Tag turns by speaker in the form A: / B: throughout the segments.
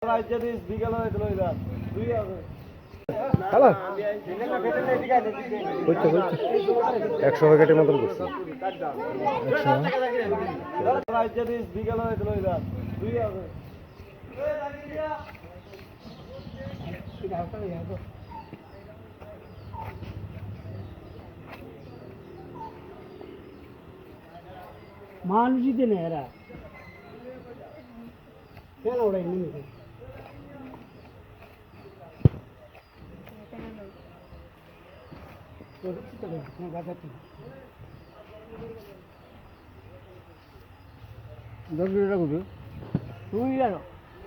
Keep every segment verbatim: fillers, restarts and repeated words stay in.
A: hello একশো প্যাকেটের মতন করছি
B: মানুষই দেনে এরা কেন ওরাই নেমে তুই জানো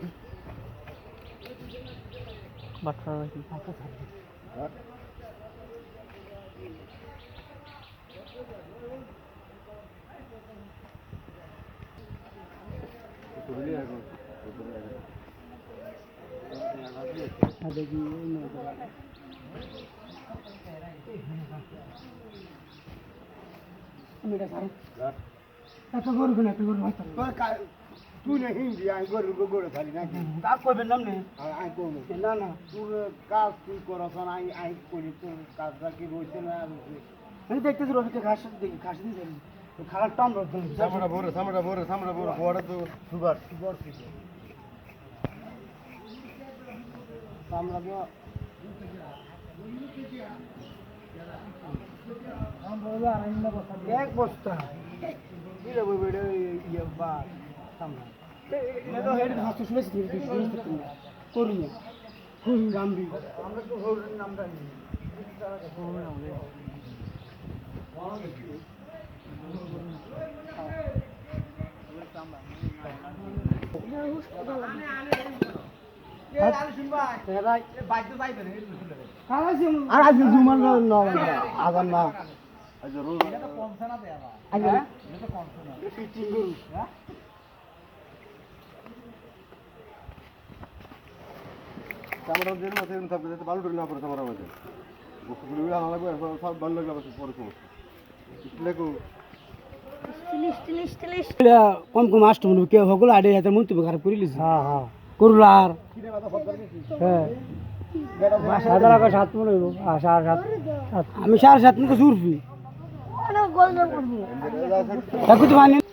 B: বাচ্চা নাকি দেখি একটা গরু কেন একটা গরু
C: তুই না হিন্দি আমি গরু গরু খালি নাকি
B: কাজ করবেন নাম নেই
C: আমি করবো
B: না না
C: তোর কাজ তুই করছ না আমি আমি করি তোর কাজটা কি রয়েছে না
B: আমি দেখতেছি রোহিতে ঘাস দেখি ঘাস দিয়ে যাবি খারাপ টান রোদ
A: সামরা বড় সামরা বড় সামরা বড় বড় তো সুগার
C: সুগার কিছু আমরা
B: এক বস্তা
C: দিলে বই বেড়ে ইয়ে বা সামনে
B: এটা হেড ঘাস তো শুনেছি করি না গাম্বি
C: আমরা তো হরির নামটা নিই
B: আর আজ জুমার না আবার না
A: সামরা যেন আছে এরকম থাকবে যাতে ভালো করে না পড়ে সামরা মাঝে বস্তুগুলো আনা লাগবে সব ভালো লাগবে আবার পরে সমস্যা লেখো
B: কম কম আসতো মনে কেউ হকল আড়াই হাজার মন্তব্য খারাপ করে লিস হ্যাঁ হ্যাঁ করুল আর হ্যাঁ সাত টাকা সাত মনে হইব সাড়ে সাত আমি সাড়ে সাত মনে চুরফি দেখো তো মানি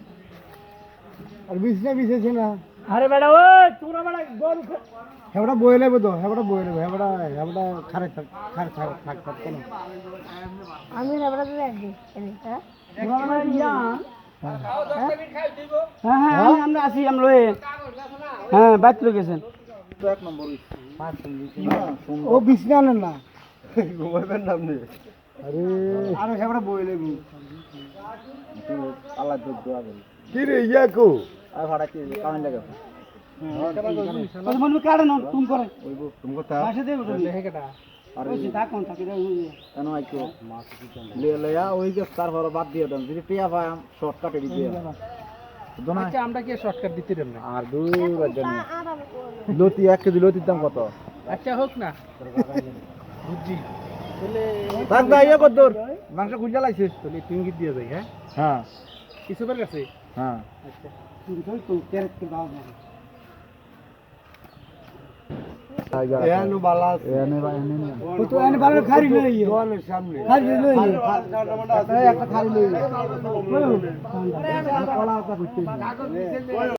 C: আর বিছনা বিছেছে না
B: আরে বেটা ও তোরা বেটা গরু
C: হেবড়া বয়ে নেবে তো হেবড়া বয়ে নেবে হেবড়া হেবড়া খারে খারে থাক থাক থাক কেন
D: আমি রবড়া তো একদিন হ্যাঁ
B: হ্যাঁ হ্যাঁ আমি- আমরা আছি আমরা লয়ে হ্যাঁ বাইক লয়ে গেছেন
C: এক নম্বর ও বিছনা আনেন না
A: ঘুমাইবেন না আপনি
C: আরে আর হেবড়া বয়ে নেবে
A: আল্লাহ দুধ দোয়া করি কি রে ইয়াকো
C: আর ভাড়া কি কামেন লাগে
B: ওই মনে কাড়ে না তুমি করে
A: তুমি কথা
B: বাসে দেব তো হেকেটা
C: আরে
B: ওই তা কোন থাকে রে
C: কেন আইছো লে লয়া ওই যে তার পর বাদ দিয়ে দেন যদি টিয়া পাই শর্টকাটে দিতে দোনা
B: আচ্ছা আমরা কি শর্টকাট দিতে দেব না
C: আর দুই বাজার লতি এক কেজি লতির দাম কত
B: আচ্ছা হোক না বুঝছি তাহলে
C: থাক না ইয়ে কত দূর মাংস খুঁজা লাইছে
B: তাহলে টিঙ্গি দিয়ে যাই হ্যাঁ
C: হ্যাঁ
B: কিছু বের কাছে
C: হ্যাঁ
B: আচ্ছা তুমি কই তো ক্যারেট কে দাও না
A: এনো বালা
C: এনে বা এনে নে
B: ও তো এনে ভালো খারি লই
A: দোকানের সামনে
B: খারি লই
C: একটা খালি লই
B: কলা
C: কলা কথা কইতে